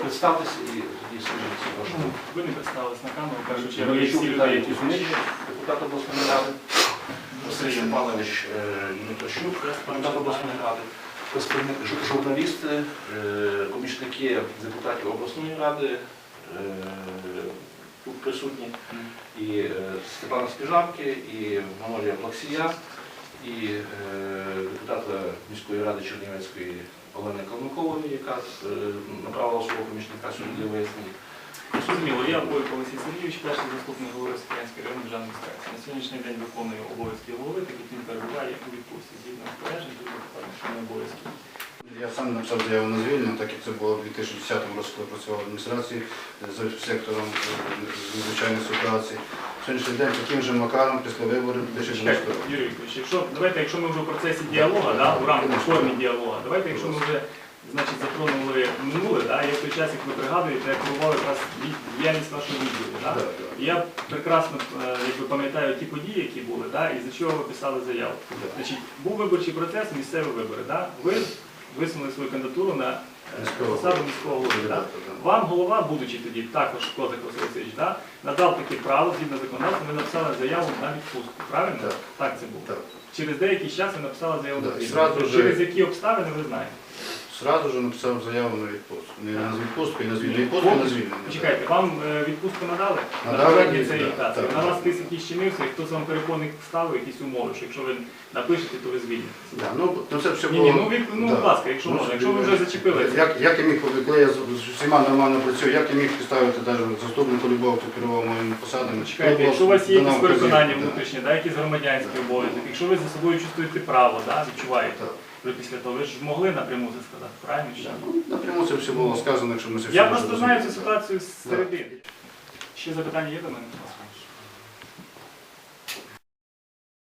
представтеся і тоді скажіть вашу. Ви не представились на камеру, кажуть, я Мельничук всі Віталій люди, які Кузьмич, депутат обласної ради, Василь Степанович Дмитрощук, депутат обласної ради, журналісти, помічники депутатів обласної ради, тут присутні, і Степана Спіжавки, і Манолія Плаксія, і депутата міської ради Чернівецької Олени Калмикової, яка направила свого помічника сюди для вияснення. Зрозуміло, я Бойко Олексій Сергійович, перший заступник голови Сокирянської районної державної інспекції. На сьогоднішній день виконую обов'язки голови, так як він перебуває у відпустці. Згідно розпоряджень, тут покладено, що не обов'язки. Я сам написав заяву на звільнення, так як це було в 2010 році, коли працював в адміністрації за сектором надзвичайних ситуацій. Сьогоднішній день таким же макаром після виборів 2012 року. Юрій Вікторович, якщо ми вже в процесі діалогу, в рамках формі діалогу, давайте, якщо ми вже затронули минуле, я в той час, як ви пригадуєте, я керував якраз діяльність вашого відділу. Я прекрасно пам'ятаю ті події, які були, і за чого ви писали заяву. Був виборчий процес, місцеві вибори. Ви висунули свою кандидатуру на посаду міського голови. Вам голова, будучи тоді також Козак Василь Васильович, надав таке право, згідно законодавства, ви написали заяву на відпустку. Правильно? Так це було. Через деякий час ви написали заяву на відпустку. Через які обставини ви знаєте? Сразу же написав заяву на відпустку. Не на відпустку, і на звільнення. Відпустку, на звільнення. Почекайте, вам відпустку надали? Надали, так. На вас хтось якийсь чинився, і хтось вам перепонник ставив якісь умови, що якщо ви напишете, то ви звільните. Це все було... Будь ласка, якщо можна, якщо ви вже зачепили. Як я міг, коли я з усіма нормально працюю, як я міг поставити навіть заступнику любого, хто керував моїми посадами? Чекайте, якщо у вас є якісь переконання внутрішні, якісь громадянські обов'язки, якщо ви за собою чувствуєте право, відчуваєте. Після того, ви ж могли напряму це сказати, правильно? Напряму це все було сказано, якщо ми це все... Я просто знаю цю ситуацію з середини. Ще запитання є до мене?